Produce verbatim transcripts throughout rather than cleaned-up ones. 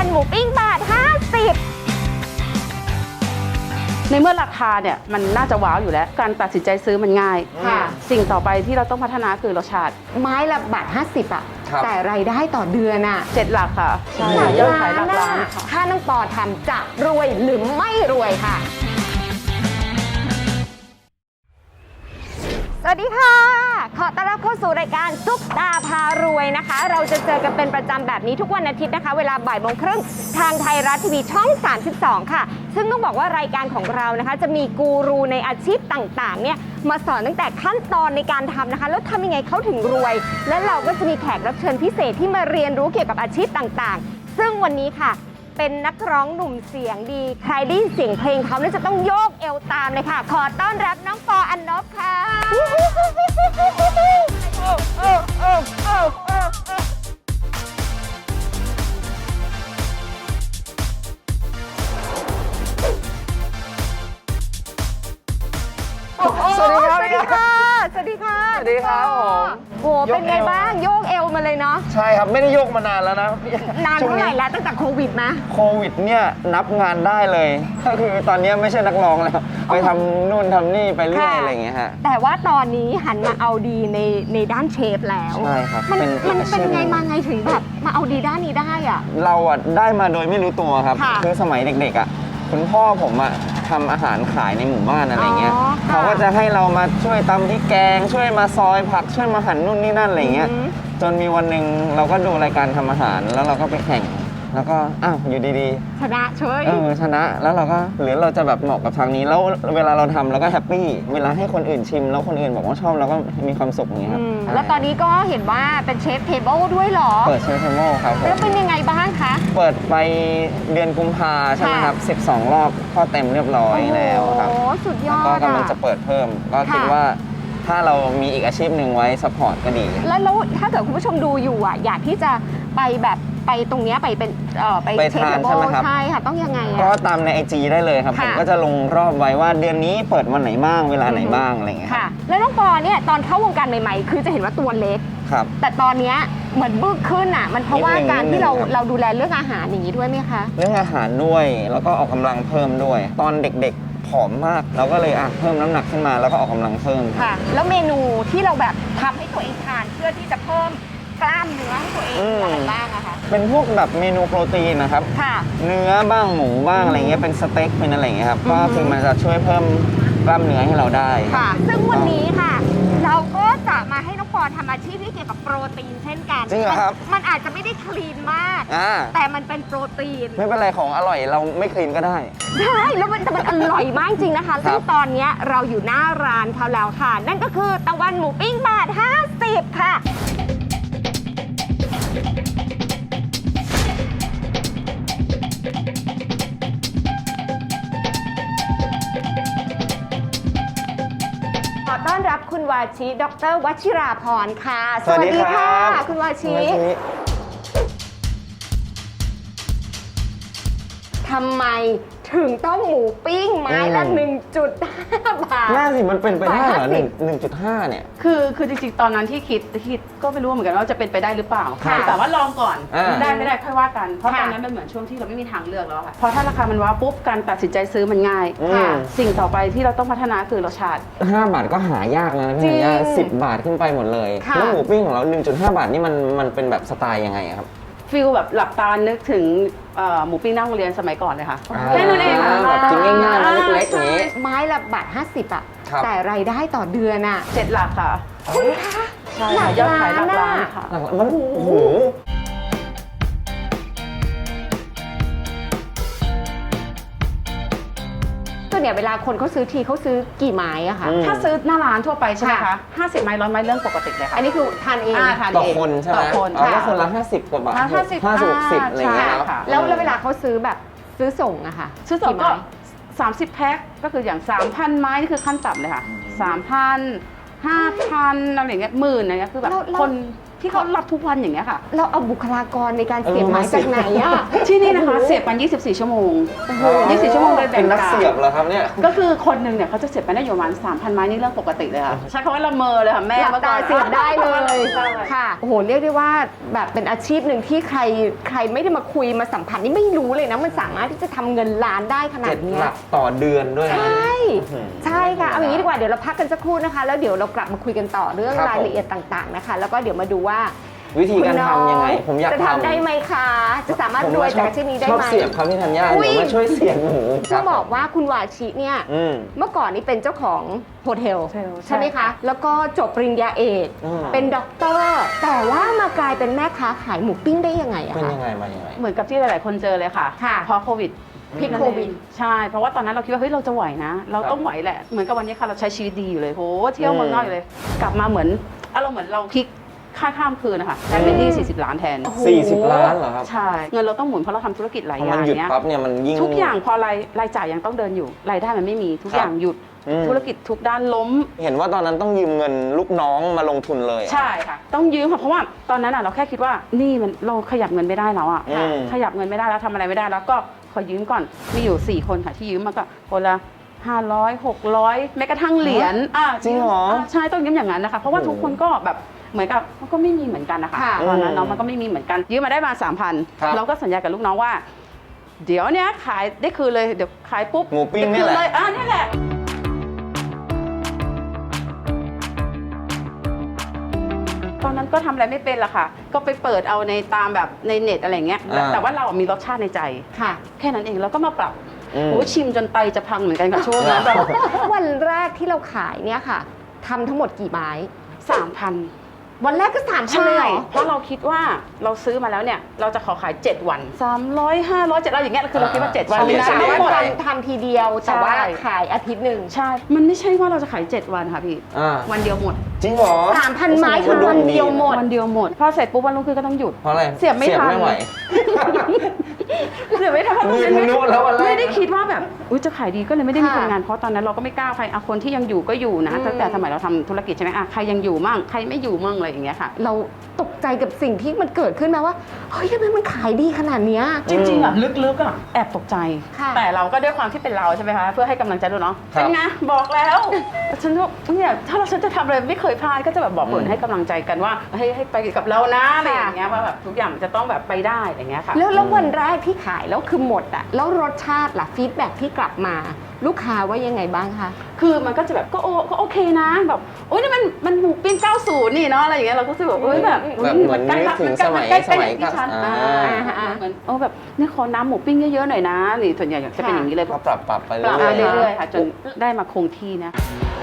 วันหมูปิ้งบาทห้าสิบในเมื่อราคาเนี่ยมันน่าจะว้าวอยู่แล้วการตัดสินใจซื้อมันง่ายค่ะสิ่งต่อไปที่เราต้องพัฒนาคือรสชาติไม้ละบาทห้าสิบอ่ะแต่รายได้ต่อเดือนอ่ะเจ็ดหลักค่ะใช่ยอดขายหลักล้านค่ะถ้าน้องปอทำจะรวยหรือไม่รวยค่ะสวัสดีค่ะขอต้อนรับเข้าสู่รายการซุปตาพารวยนะคะเราจะเจอกันเป็นประจำแบบนี้ทุกวันอาทิตย์นะคะเวลาบ่ายโมงครึ่งทางไทยรัฐทีวีช่องสามสิบสองค่ะซึ่งต้องบอกว่ารายการของเรานะคะจะมีกูรูในอาชีพต่างๆเนี่ยมาสอนตั้งแต่ขั้นตอนในการทำนะคะแล้วทำยังไงเขาถึงรวยและเราก็จะมีแขกรับเชิญพิเศษที่มาเรียนรู้เกี่ยวกับอาชีพต่างๆซึ่งวันนี้ค่ะเป็นนักร้องหนุ่มเสียงดีใครได้ยินเสียงเพลงเขาเนี่ยจะต้องโยกเอวตามเลยค่ะขอต้อนรับน้องปออันนบค่ะสวัสดีครับสวัสดีค่ะสวัสดีค่ะสวัสดีครับผมโหเป็นไงบ้างโยกเอวมาเลยเนาะใช่ครับไม่ได้โยกมานานแล้วนะนานเท่าไหร่แล้วตั้งแต่โควิดนะโควิดเนี่ยนับงานได้เลยก็คือตอนนี้ไม่ใช่นักร้องแล้วไปทำนู่นทำนี่ไปเรื่อยอะไรอย่างเงี้ยฮะแต่ว่าตอนนี้หันมาเอาดีในในด้านเชฟแล้วใช่ครับมันมันเป็นไงมาไงถึงแบบมาเอาดีด้านนี้ได้อะเราอ่ะได้มาโดยไม่รู้ตัวครับคือสมัยเด็กๆอ่ะคุณพ่อผมอ่ะทำอาหารขายในหมู่บ้านอะไรเงี้ยเขาก็จะให้เรามาช่วยตำพริกแกงช่วยมาซอยผักช่วยมาหั่นนู่นนี่นั่นอะไรเงี้ยจนมีวันหนึ่งเราก็ดูรายการทำอาหารแล้วเราก็ไปแข่งแล้วก็อ้าวอยู่ดีๆชนะเฉยเออชนะแล้วเราก็หรือเราจะแบบเหมาะกับทางนี้แล้วเวลาเราทำเราก็แฮปปี้เวลาให้คนอื่นชิมแล้วคนอื่นบอกว่าชอบเราก็มีความสุขอย่างเงี้ยครับแล้วตอนนี้ก็เห็นว่าเป็นเชฟเทเบิลด้วยเหรอเปิดเชฟเทเบิลครับแล้วเป็นยังไงบ้างคะเปิดไปเดือนกุมภาใช่ไหมครับสิบสองรอบก็เต็มเรียบร้อยแล้วครับโอ้สุดยอดก็กำลังจะเปิดเพิ่มก็คิดว่าถ้าเรามีอีกอาชีพหนึ่งไว้ซัพพอร์ตก็ดีแล้วแล้วถ้าเกิดคุณผู้ชมดูอยู่อ่ะอยากที่จะไปแบบไปตรงนี้ไปเป็นเอ่อไปเชฟใช่ไหมครับใช่ค่ะต้องยังไงก็ตามใน ไอ จี ได้เลยครับผมก็จะลงรอบไว้ว่าเดือนนี้เปิดวันไหนบ้างเวลาไหนบ้างอะไรเงี้ยค่ะแล้วน้องปอเนี่ยตอนเข้าวงการใหม่ๆคือจะเห็นว่าตัวเล็กครับแต่ตอนนี้เหมือนบึกขึ้นอ่ะมันเพราะว่าการที่เราเราดูแลเรื่องอาหารอย่างนี้ด้วยไหมคะเรื่องอาหารด้วยแล้วก็ออกกำลังเพิ่มด้วยตอนเด็กๆผอมมากเราก็เลยอ่ะเพิ่มน้ำหนักขึ้นมาแล้วก็ออกกำลังเพิ่มค่ะแล้วเมนูที่เราแบบทำให้ตัวเองทานเพื่อที่จะเพิ่มกล้ามเนื้อให้ตัวเองอะไรบ้างอะคะเป็นพวกแบบเมนูโปรตีนนะครับค่ะเนื้อบ้างหมูบ้างอะไรเงี้ยเป็นสเต็กเป็นอะไรเงี้ยครับก็คือมันจะช่วยเพิ่มกล้ามเนื้อให้เราได้ค่ะซึ่งวันนี้ค่ะเราก็จะมาให้น้องปอทำอาชีพที่เกี่ยวกับโปรตีนเช่นกันจริงเหรอครับมันอาจจะไม่ได้คลีนมากแต่มันเป็นโปรตีนไม่เป็นไรของอร่อยเราไม่คลีนก็ได้ใช่แล้วมันแต่มันอร่อยมากจริงนะคะซึ่งตอนนี้เราอยู่หน้าร้านเขาแล้วค่ะนั่นก็คือตะวันหมูปิ้งบาทห้าสิบค่ะขอต้อนรับคุณวาชิดร.วชิราพรค่ะสวัสดีค่ะคุณวาชิทำไมถึงต้องหมูปิ้งไม้ละ หนึ่งจุดห้า บาทน่าสิมันเป็นไปได้เหรอหนึ่งจุดห้าเนี่ยคือคือจริงๆตอนนั้นที่คิดคิดก็ไม่รู้เหมือนกันว่าจะเป็นไปได้หรือเปล่าแต่ว่าลองก่อนได้ไม่ได้ค่อยว่ากันเพราะตอนนั้นมันเหมือนช่วงที่เราไม่มีทางเลือกแล้วค่ะพอถ้าราคามันว้าวปุ๊บการตัดสินใจซื้อมันง่ายสิ่งต่อไปที่เราต้องพัฒนาคือรสชาติห้าบาทก็หายากแล้วนะพี่ยาสิบบาทขึ้นไปหมดเลยแล้วหมูปิ้งของเรา หนึ่งจุดห้า บาทนี่มันมันเป็นแบบสไตล์ยังไงครับฟิลแบบหลับตานึกถึงหมูปิ้งนั่งโรงเรียนสมัยก่อนเลยค่ะแค่นั้นเองแบบกินง่ายๆนะเล็กๆอย่างนี้ไม้ละบาทห้าสิบอ่ะแต่รายได้ต่อเดือนอ่ะเจ็ดหลักค่ะคุณคะใช่ค่ะยอดขายหลักล้านค่ะหลักมันโอ้โหตัวเนี่ยเวลาคนเขาซื้อทีเขาซื้อกี่ไม้อะคะถ้าซื้อหน้าร้านทั่วไปใช่ไหมคะห้าสิบไม้ร้อยไม้เรื่องปกติเลยค่ะอันนี้คือทานเองต่อคนใช่ไหมต่อคนก็คนละห้าสิบกว่าบาทห้าสิบห้าสิบสิบอะไรอย่างเงี้ยแล้วแล้วเวลาเขาซื้อแบบซื้อส่งอะค่ะซื้อส่งก็สามสิบแพ็คก็คืออย่าง สามพัน ไม้นี่คือขั้นต่ำเลยค่ะ สามพัน ห้าพัน อะไรอย่างเงี้ยหมื่นอะไรเงี้ยคือแบบคนที่เขารับทุกวันอย่างเงี้ยค่ะเราเอาบุคลากรในการเสียบไม้จากไหนอะที่นี่นะคะเสียบมันยี่สิบสี่ชั่วโมงยี่สิบสี่ชั่วโมงเลยแบ่งเป็นนักเสียบเหรอครับเนี่ยก็คือคนหนึ่งเนี่ยเขาจะเสียบไปได้อยู่ประมาณ สามพัน ไม้นี่เรื่องปกติเลยค่ะใช้คำว่าละเมอเลยค่ะแม่หลับตาเสียบได้เลยค่ะโอ้โหเรียกได้ว่าแบบเป็นอาชีพหนึ่งที่ใครใครไม่ได้มาคุยมาสัมผัสนี่ไม่รู้เลยนะมันสามารถที่จะทำเงินล้านได้ขนาดเจ็ดเนี้หยลักต่อเดือนด้วยนะใช่อื้อหือใช่ค่ะเอาอย่างนี้ดีกว่าเดี๋ยวเราพักกันสักครู่นะคะ แล้วเดี๋ยวเรากลับมาคุยกันต่อเรื่องครับรายละเอียดต่างๆนะคะ แล้วก็เดี๋ยวมาดูว่าวิธีการทำยังไง ผมอยากจะทำทำได้ไหมคะจะสามารถผมรวยชจากอบอาชีพนี้ได้ชอบไหมเสียบครับพี่ธัญญาอุ๊ยเดี๋ยวมาช่วยเสียบหมูต้องบอกว่าคุณวาชิเนี่ยอืมเมื่อก่อนนี้เป็นเจ้าของโฮเทลใช่ใช่ไหมคะ แล้วก็จบปริญญาเอกอืมเป็นด็อกเตอร์ แต่ว่ามากลายเป็นแม่ค้าขายหมูปิ้งได้ยังไงอะเป็นคะยังไงมายังไงเหมือนกับที่หลาย ๆ คนเจอเลยค่ะค่ะเพราะโควิดพิษนั่นโคเองวิดใช่ เพราะว่าตอนนั้นเราคิดว่าเฮ้ยเราจะไหวนะ เราต้องไหวแหละ เหมือนกับวันนี้ค่ะเราใช้ชีวิตดีอยู่เลยโหเที่ยวเมืองนอกอยู่เลย กลับมาเหมือนอารมณ์เหมือนเราพลิกค่าข้ามคืนนะคะกลายเป็นหนี้สี่สิบล้านแทนสี่สิบล้านเหรอครับใช่ เงินเราต้องหมุนเพราะเราทำธุรกิจหลายพออมันย่างหยุดเนี้ยปั๊บเนี่ยมันยิ่งทุกอย่างพอรายรายจ่ายยังต้องเดินอยู่ รายได้มันไม่มีทุกครับอย่างหยุดอืมธุรกิจทุกด้านล้มเห็นว่าตอนนั้นต้องยืมเงินลูกน้องมาลงทุนเลยใช่ค่ะ ต้องยืมค่ะเพราะว่าตอนนั้นอ่ะเราแค่คิดว่านี่มันเราขยับเงินไม่ได้แล้วอ่ะอืมขยับเงินไม่ได้แล้วทำอะไรไม่ได้แล้วก็ขอยืมก่อนมีอยู่สี่คนค่ะที่ยืมมาก็คนละห้าร้อยหกร้อยแม้กระทั่งเหรียญอ่ะจริงเหรออ่ะใช่ต้องยืมอย่างนั้นนะคะเพราะว่าโอ้โหทุกคนก็แบบเหมือนกับมันก็ไม่มีเหมือนกันนะคะค่ะตอนนั้นอืมเนาะมันก็ไม่มีเหมือนกันยืมมาได้มาสามพันครับเราก็สัญญากับลูกน้องว่า เดี๋ยวเนี้ยขายได้คืนเลยเดี๋ยวขายปุ๊บหมูปิ้งเนี่ยแหละได้คืเลยอ่ะนี่แหละ ตอนนั้นก็ทำอะไรไม่เป็นละค่ะ ก็ไปเปิดเอาในตามแบบในเน็ตอะไรเงี้ยอ่าแต่ว่าเรามีรสชาติในใจค่ะแค่นั้นเองแล้วก็มาปรับอืมโอ้ชิมจนไตจะพังเหมือนกันกับช่วงนั้นแบบวันแรกที่เราขายเนี่ยค่ะทำทั้งหมดกี่ไม้สามพันวันแรกก็สามพันใช่เลยเหรอเพราะเราคิดว่าเราซื้อมาแล้วเนี่ย เราจะขอขาย เจ็ด วัน สามร้อย ห้าร้อย เจ็ดร้อยอย่างเงี้ยคือเราคิดว่า เจ็ด วันเฉลี่ยได้เฉลี่ยทั้งหมดทำทำทีเดียวแต่ว่าใช่ขายอาทิตย์หนึ่งใช่ มันไม่ใช่ว่าเราจะขาย เจ็ด วันค่ะพี่อ่าวันเดียวหมดจริงเหรอสามพันไม้คือวันเดียวหมดวันเดียวหมด พอเสร็จปุ๊บวันรุ่งขึ้นก็ต้องหยุดเพราะอะไรเสียบไม่ทันไม่ไหวเสียบไม่ทันเพราะมือไม่ทะลุแล้ววันแรกไม่ได้คิดว่าแบบอุ้ยจะขายดีก็เลยไม่ได้มีค่ะคนงานเพราะตอนนั้นเราก็ไม่กล้าใครอ่ะคนที่ยังอยู่ก็อยู่นะอืมตั้งแต่สมัยเราทำธุรกิจใช่ไหมอ่ะใครยังอยู่มั่งใครไม่อยู่มั่งอะไรอย่างเงี้ยค่ะเราตกใจกับสิ่งที่มันเกิดขึ้นมาว่าเฮ้ยทำไมมันขายดีขนาดเนี้ยจริงๆอ่ะลึกๆอ่ะแอบตกใจค่ะแต่เราก็ด้วยความที่เป็นเราใช่ไหมคะเพื่อให้กำลังใจด้วยเนาะครับเป็นไงบอกแล้วฉันก็เนี่ยถ้าเราฉันจะทำอะไรไม่เคยพลาดก็จะแบบบอกคนอืมให้กำลังใจกันว่าให้ให้ไปกับเรานะอะไรอย่างเงี้ยว่าแบบทุกอย่างมันจะต้องแบบไปได้อย่างเงี้ยค่ะแล้วแล้ววันแรกที่ขายแล้วคือหมดอะแล้วรสชาติล่ะฟีดแบ็ที่กลับมาลูกค้าว่ายังไงบ้างคะคือมันก็จะแบบก็โอก็โอเคนะแบบโอ้ยนี่มันมันหมูปิ้งเก้าสิบนี่เนาะอะไรอย่างเงี้ยเราก็รู้สึกแบบเอ้ยแบบแบบเหมือนนึกถึงสมัยใกล้ๆสมัยที่ฉันอ่าอ่าเหมือนโอ้แบบนี่ขอน้ำหมูปิ้งเยอะๆหน่อยนะนี่ส่วนใหญ่จะเป็นอย่างนี้เลยก็ปรับปรับไปปรับเรื่มาอยเรื่อยๆค่ะจนได้มาคงที่นะ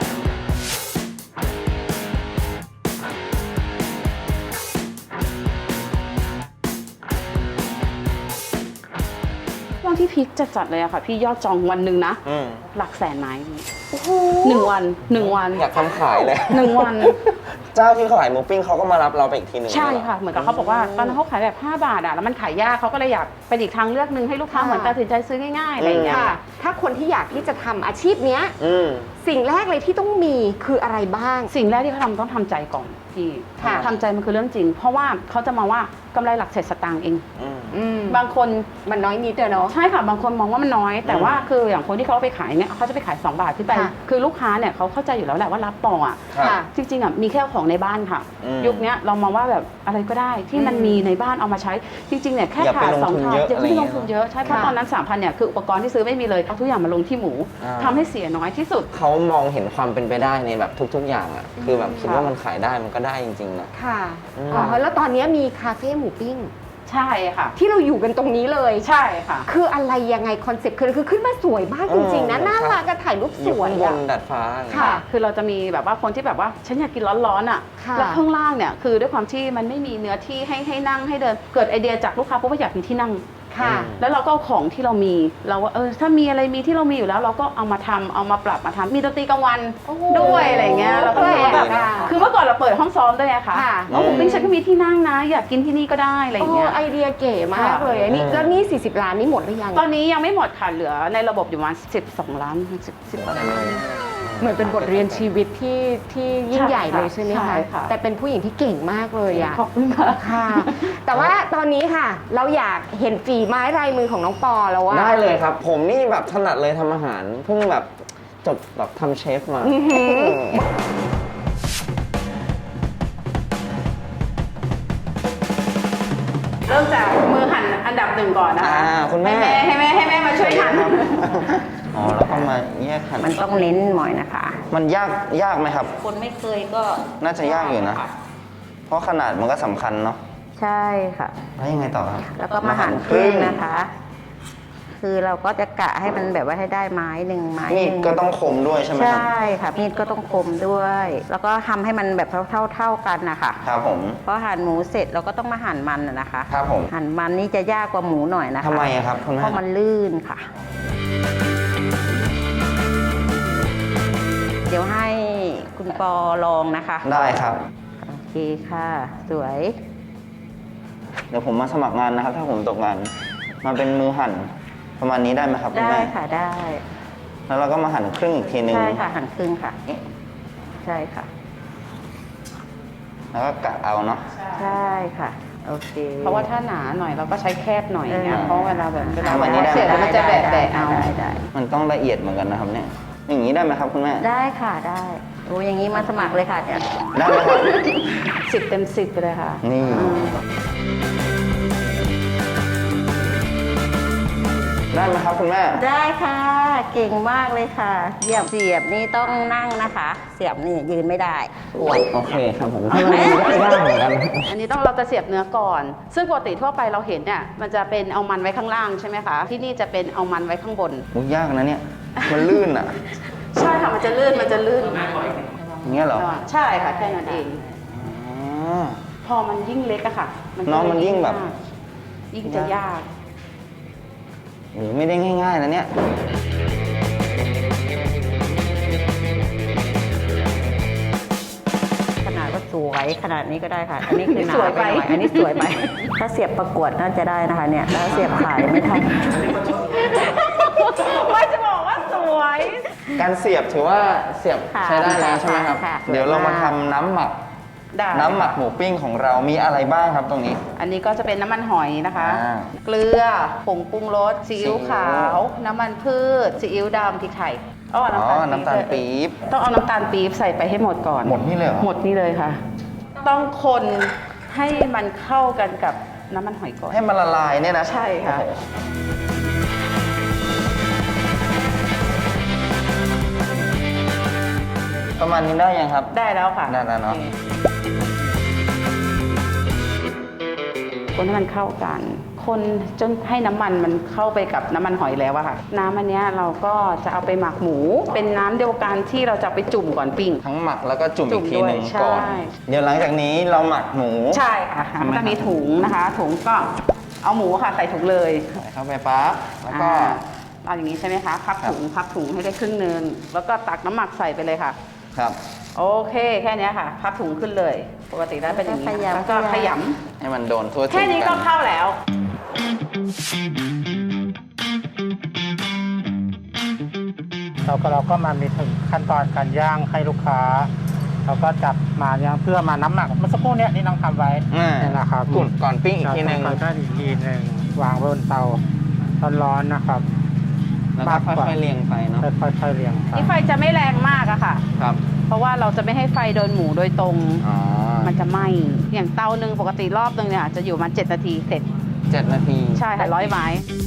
วันที่พีคจัดๆเลยอะค่ะ พี่ยอดจองวันหนึ่งนะๆอืมหลักแสนไม้หนึ่งวันหนึ่งวันอยากทำขายเลยหนึ่งวันเจ้าที่ขายหมูปิ้งเขาก็มารับเราไปอีกทีหนึ่งใช่ค่ะ เหมือนกับเขาบอกว่าตอนนั้นเขาขายแบบห้าบาทอะแล้วมันขายยากเขาก็เลยอยากเป็นอีกทางเลือกหนึ่งให้ลูกค้าค่ะเหมือนตัดสินใจซื้อง่ายๆอะไรอย่างเงี้ยค่ะ ถ้าคนที่อยากที่จะทำอาชีพเนี้ยอืมสิ่งแรกเลยที่ต้องมีคืออะไรบ้างสิ่งแรกที่เขาทำต้องทำใจก่อนพี่ค่ะทำใจมันคือเรื่องจริง เพราะว่าเขาจะมองว่ากำไรหลักเศษสตางค์เองอืมอืมบางคนมันน้อยนิดเดียวเนาะใช่ค่ะบางคนมองว่ามันน้อย แต่อืมว่าคืออย่างคนที่เขาเอาไปขายเนี่ยเขาจะไปขายสองบาทขึ้นไปค่ะคือลูกค้าเนี่ยเขาเข้าใจอยู่แล้วแหละว่ารับต่ออ่ะครับค่ะจริงๆอ่ะมีแค่ของในบ้านค่ะอืมยุคเนี้ยเรามองว่าแบบอะไรก็ได้ที่มันอืมมีในบ้านเอามาใช้จริงๆเนี่ยแค่อย่าไปขาดลงสองทุนขาดเยอะอย่าเพิ่งลงทุนอะไรเงี้ยเยอะใช่เพราะค่ะตอนนั้นสามพันเนี่ยคืออุปกรณ์ที่ซื้อไม่มีเลยเอาทุกอย่างมาลงที่หมูอ่าทำให้เสียน้อยที่สุดเขามองเห็นความเป็นไปได้ในแบบทุก ๆ อย่างอ่ะ คือแบบคิดว่ามันขายได้มันก็ได้จริงๆนะค่ะอืมอ๋อแล้วตอนนี้มีคาเฟ่หมูปิ้งใช่ค่ะที่เราอยู่กันตรงนี้เลยใช่ค่ะคืออะไรยังไงคอนเซ็ปต์คือคือขึ้นมาสวยมากจริงๆนะเออน่ารักก็ถ่ายรูปอสยู่วยข้างบอะนดาดฟ้าอย่างเงี้ยค่ะคือเราจะมีแบบว่าคนที่แบบว่าฉันอยากกินร้อนๆอ่ะค่ะแล้วข้างล่างเนี่ยคือด้วยความที่มันไม่มีเนื้อที่ให้ให้นั่งให้เดินเกิดไอเดียจากลูกค้าเพราะว่าอยากมีที่นั่งค่ะอืมแล้วเราก็เอาของที่เรามีเราว่าเออถ้ามีอะไรมีที่เรามีอยู่แล้ว เราก็เอามาทำเอามาปรับมาทำมีดนตรีกลางวันโอ้โหด้วยอะไรเงี้ยเราก็เลยว่าแบบแปลกอะคือเมื่อก่อนเราเปิดห้องซ้อมด้วยอะค่ะค่ะแล้วผมปิ้งฉันก็มีที่นั่งนะ อยากกินที่นี่ก็ได้อะไรโอ้เงี้ยไอเดียเก๋มากค่ะเลยอันนี้อืมแล้วนี่สี่สิบล้านนี่หมดหรือยังตอนนี้ยังไม่หมดค่ะเหลือในระบบอยู่ประมาณสิบสองล้านสิบสิบกว่าล้านเหมือนเป็นบทเรียนชีวิตที่ที่ยิ่งใหญ่เลยใช่ไหมใช่คะค่ะแต่เป็นผู้หญิงที่เก่งมากเลยอะขอบคุณค่ะค่ะ แต่ว่าตอนนี้ค่ะ เราอยากเห็นฝีไม้ลายมือของน้องปอแล้วว่าได้เลยครับ ผมนี่แบบถนัดเลยทำอาหาร เพิ่งแบบจบแบบทำเชฟมาอื้อหือริ่มจากมือหั่นอันดับหนึ่งก่อนนะคะอ่าคุณแม่ให้แม่ให้แม่ให้แม่มาช่วยหั่นอ๋อแล้วก็มาแยกหั่นมันต้องเน้นหน่อยนะคะมันยากยากไหมครับคนไม่เคยก็น่าจะยากอยู่นะ เพราะขนาดมันก็สำคัญเนาะใช่ค่ะแล้วยังไงต่อครับแล้วก็มาหั่นครึ่งนะคะ คือเราก็จะกะให้มันแบบว่าให้ได้ไม้หนึ่งไม้มีหดนึ่งก็ต้องคมด้วยใช่ไหมครับใช่ค่ะมีดก็ต้องคมด้วย แล้วก็ทำให้มันแบบเท่าๆเท่ากันนะคะครับผมเพราะหั่นหมูเสร็จเราก็ต้องมาหั่นมันน่ะนะคะครับผมหั่นมันนี่จะยากกว่าหมูหน่อยนะคะทำไมอะครับคุณเพแม่ราะมันลื่นค่ะ เดี๋ยวให้คุณปอลองนะคะได้ครับโอเคค่ะ สวยเดี๋ยวผมมาสมัครงานนะครับ ถ้าผมตกงาน มาเป็นมือหั่นประมาณนี้ได้ไหมครับคุณได้แม่ค่ะได้แล้วเราก็มาหั่นครึ่งอีกทีนึงใช่ค่ะหั่นครึ่งค่ะเอ๊ะใช่ค่ะแล้วก็กะเอาเนาะใช่ค่ะ โอเคเพราะว่าถ้าหนาหน่อยเราก็ใช้แคบหน่อยอย่างเงี้ยเออเพราะเวลาแบบเวลาทำอันนี้ได้เสียแล้วมันจะแบะแบะเอาได้ได้มันต้องละเอียดเหมือนกันนะครับเนี่ย อย่างนี้ได้ไหมครับคุณแม่ได้ค่ะได้โอ้อย่างนี้มาสมัครเลยค่ะเนี่ยได้ไหมครับสิบเต็มสิบไปเลยค่ะนี่อืมได้ไหมครับคุณแม่ได้ค่ะ เก่งมากเลยค่ะเสียบเสียบนี่ต้องนั่งนะคะ เสียบนี่ยืนไม่ได้ปวดโอเคครับผมทำไมมันยากเหมือนกันอันนี้ต้องเราจะเสียบเนื้อก่อน ซึ่งปกติทั่วไปเราเห็นเนี่ยมันจะเป็นเอามันไว้ข้างล่างใช่ไหมคะ ที่นี่จะเป็นเอามันไว้ข้างบนมุกยากนะเนี่ย มันลื่นอ่ะใช่ค่ะมันจะลื่นมันจะลื่นอย่างเงี้ยเหรอใช่ค่ะแค่นั้นเองอ๋อพอมันยิ่งเล็กอะค่ะเนอะมันยิ่งแบบยิ่งจะยากโอ้โหไม่ได้ง่ายๆนะเนี่ยขนาดว่าสวยขนาดนี้ก็ได้ค่ะ อันนี้คือหนาไปหน่อยอันนี้สวยไป ถ้าเสียบประกวดน่าจะได้นะคะเนี่ยแล้วเสียบขายไม่ทันไม่จะบอกว่าสวยการเสียบถือว่าเสียบค่ะใช้ได้แล้วใช่ไหมครับค่ะเดี๋ยวเรามาทำน้ำหมักได้น้ำหมักหมูปิ้งของเรามีอะไรบ้างครับตรงนี้อันนี้ก็จะเป็นน้ำมันหอยนะคะอ่าเกลือ ผงปรุงรส ซีอิ๊วขาว น้ำมันพืช ซีอิ๊วดำพริกไทยอ๋ออ๋อน้ำตาลน้ำตาลปี๊บต้องเอาน้ำตาลปี๊บใส่ไปให้หมดก่อนหมดนี่เลยเหรอหมดนี่เลยค่ะ ต้องคนให้มันเข้ากันกับน้ำมันหอยก่อนให้มันละลายเนี่ยนะใช่ค่ะโอ้โหประมาณนี้ได้ยังครับได้แล้วค่ะได้แล้วเนอะโอคคนให้มันเข้ากัน คนจนให้น้ำมันมันเข้าไปกับน้ำมันหอยแล้วอะค่ะ น้ำอันเนี้ยเราก็จะเอาไปหมักหมู เป็นน้ำเดียวกันที่เราจะเอาไปจุ่มก่อนปิ้งทั้งหมักแล้วก็จุ่มจุ่อีมกทีหนึ่งด้วยก่อนใช่เดี๋ยวหลังจากนี้เราหมักหมูใช่ค่ะใช่ไหมมันก็มีถุงนะคะ ถุงก็เอาหมูค่ะใส่ถุงเลยใส่เข้าไปปั๊บแล้วก็อ่าเอาอย่างนี้ใช่ไหมคะ พับถุงพับถุงให้ได้ครึ่งหนึงแล้วก็ตักน้ำหมักใส่ไปเลยค่ะครับโอเค แค่เนี้ยค่ะ พับถุงขึ้นเลย ปกติแล้วเป็นอย่างนี้แล้วก็แล้วก็ขขยำยให้มันโดนทั่วำถึงแค่นี้ก็กันเข้าแล้วเราก็เราก็มามีถึงขั้นตอนการย่างให้ลูกค้า เราก็จับมาย่างเพื่อมาน้ำหนักเมื่อสักครู่เนี้ยที่น้องทำไว้อ่าเนี่ยนะครับก่อนก่อนปิ้งอีกทีหนึ่งก่อนปิ้งอีกทีหนึ่งวางบนเตาร้อนๆนะครับแล้วก็ค่อยๆเรียงไปเนาะค่อยๆเรียงไปนี่ไฟจะไม่แรงมากอะค่ะครับเพราะว่าเราจะไม่ให้ไฟโดนหมูโดยตรงอ๋อมันจะไหม้ อย่างเตาหนึ่งปกติรอบหนึ่งเนี่ยจะอยู่มาเจ็ดนาทีเสร็จเจ็ดนาทีใช่ค่ะร้อยไม้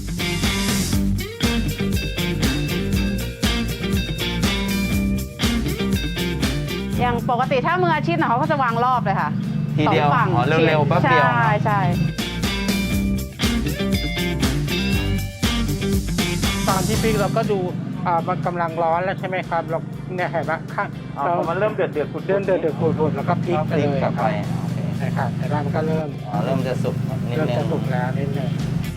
อย่างปกติถ้ามืออาชีพนะเขาก็จะวางรอบเลยค่ะทีเดียวสองฝั่งอ๋อเร็วๆแป๊บเดียวใช่ใช่ตอนที่ปิ้งเราก็ดูอ่ามันกำลังร้อนแล้วใช่ไหมครับเราเนี่ยเห็นไหมข้างอ๋อพอมันเริ่มเดือดเดือดๆเดือดเดือดเดือดปุดๆแล้วก็พลิกไปพลิกเลยกลับไปโอเคนะครับแต่ว่ามันก็เริ่มอ๋อเริ่มจะสุกนิดเริ่มนึจะงสุกแล้วนิดนึง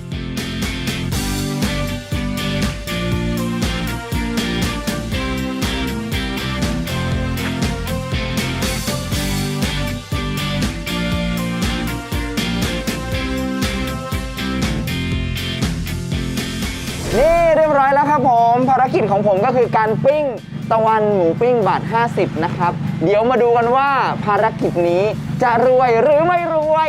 นี่เรียบร้อยแล้วครับผมภารกิจของผมก็คือการปิ้งตะวันหมูปิ้งบาทห้าสิบนะครับ เดี๋ยวมาดูกันว่าภารกิจนี้จะรวยหรือไม่รวย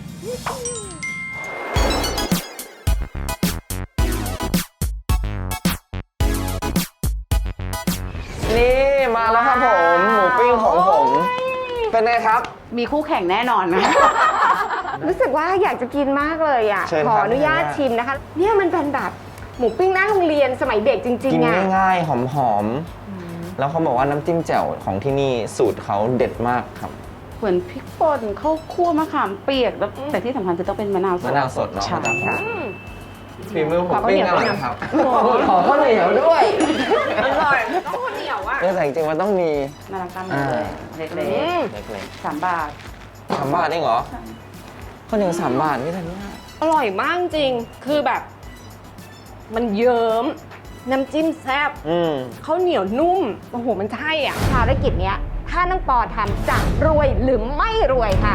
นี่มาแล้วครับผมหมูปิ้งของผม เป็นไงครับมีคู่แข่งแน่นอนนะรู้สึกว่าอยากจะกินมากเลยอ่ะเชิญขคอรับอนุญาตชิมนะคะ เนี่ยมันเป็นแบบหมูปิ้งหน้าโรงเรียนสมัยเด็กจริกิงนๆอ่ะง่ายๆ หอมๆ แล้วเขาบอกว่าน้ำจิ้มแจ่วของที่นี่สูตรเขาเด็ดมากครับเหมือนพริกป่นข้าวคั่วมะขามเปียกแล้วแต่ที่สำคัญคือต้องเป็นมะนาวสดมะนาวสดเนาะใช่ค่ะอืมฝีมือผมขอข้าวปิ้เหนีงยวอร่อยด้วยนะครับขอข้าวเหนียวด้วยอร่อยต้องข้าวเหนียวอ่ะเออแต่จริงๆมันต้องมีน่ารักมากเลยเล็กอืมเล็กๆสามบาทๆสามบาทเองเหรอข้าวเหนียวสามบาทนี่ทันเนี่ยอร่อยมากจริง คือแบบ มันเยิ้มน้ำจิ้มแซ่บอืมข้าวเหนียวนุ่ม โอ้โห มันใช่อ่ะภารกิจเนี้ย ถ้าน้องปอทำจะรวยหรือไม่รวยค่ะ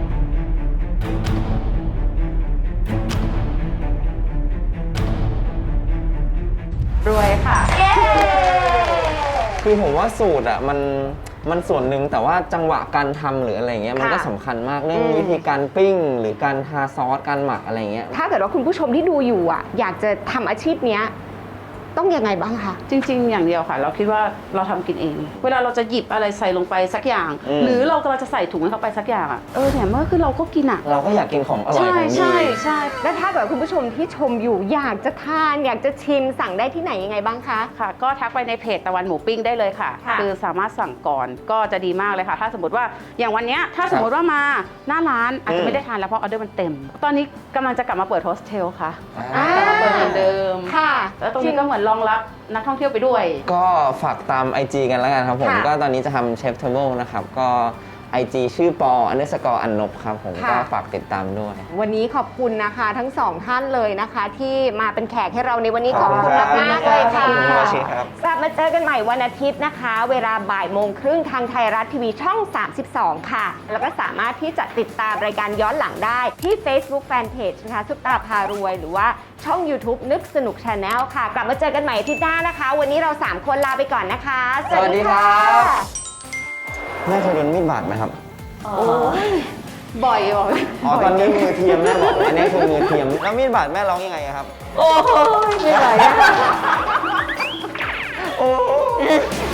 รวยค่ะเย้คือผมว่าสูตรอ่ะมันมันส่วนหนึ่งแต่ว่าจังหวะการทำหรืออะไรเงี้ยมันก็สำคัญมากเรื่องวิธีการปิ้ง หรือการทาซอสการหมักอะไรเงี้ยถ้าเกิดว่าคุณผู้ชมที่ดูอยู่อ่ะ อยากจะทำอาชีพเนี้ย ต้องยังไงบ้างคะจริง ๆ อย่างเดียวค่ะ เราคิดว่าเราทำกินเอง เวลาเราจะหยิบอะไรใส่ลงไปสักอย่างอืมหรือเรากำลังจะใส่ถุงให้เขาไปสักอย่างอ่ะเออเนี่ยเมื่อคือเราก็กินอ่ะเราก็อยากกินของอร่อยใช่ของดีใช่ใช่และถ้าเกิดคุณผู้ชมที่ชมอยู่ อยากจะทาน อยากจะชิมสั่งได้ที่ไหนยังไงบ้างคะค่ะ ก็ทักไปในเพจตะวันหมูปิ้งได้เลยค่ะค่ะคือสามารถสั่งก่อนก็จะดีมากเลยค่ะ ถ้าสมมติว่าอย่างวันเนี้ยถ้าสมมติว่ามาหน้าร้านอาจจะไม่ได้ทานแล้วเพราะออเดอร์มันเต็ม ตอนนี้กำลังจะกลับมาเปิดโฮสเทลค่ะอ่ากลับมาเปิดเหมือนเดิมค่ะแล้วตรงนี้ก็เหมือนรองรับนักท่องเที่ยวไปด้วยก็ฝากตาม ไอ จี กันแล้วกันครับผมค่ะก็ตอนนี้จะทำเชฟเทเบิลนะครับ ก็ ไอ จี ชื่อปออันเดอร์สกอร์อันนบครับผมค่ะก็ฝากติดตามด้วยวันนี้ขอบคุณนะคะทั้งสองท่านเลยนะคะ ที่มาเป็นแขกให้เราในวันนี้ขอบคุณขอบคุณมากครับๆเลยค่ะขอบคุณครับชิครับกลับมาเจอกันใหม่วันอาทิตย์นะคะ เวลาบ่ายโมงครึ่งทางไทยรัฐทีวีช่อง สามสิบสอง ค่ะ แล้วก็สามารถที่จะติดตามรายการย้อนหลังได้ที่ Facebook Fanpage นะคะซุปตาพารวย หรือว่าช่อง YouTube นึกสนุก Channel ค่ะ กลับมาเจอกันใหม่อาทิตย์หน้านะคะ วันนี้เราสามคนลาไปก่อนนะคะสวัสดีครับแม่เคยโดนมีดบาดไหมครับบ่อยบ่อยอ๋อ ตอนนี้มือเทียมแม่บอก อันนี้คือมือเทียม แล้วมีดบาดแม่ร้องยังไงอะครับโอ้ยไม่ไหวอะโอ้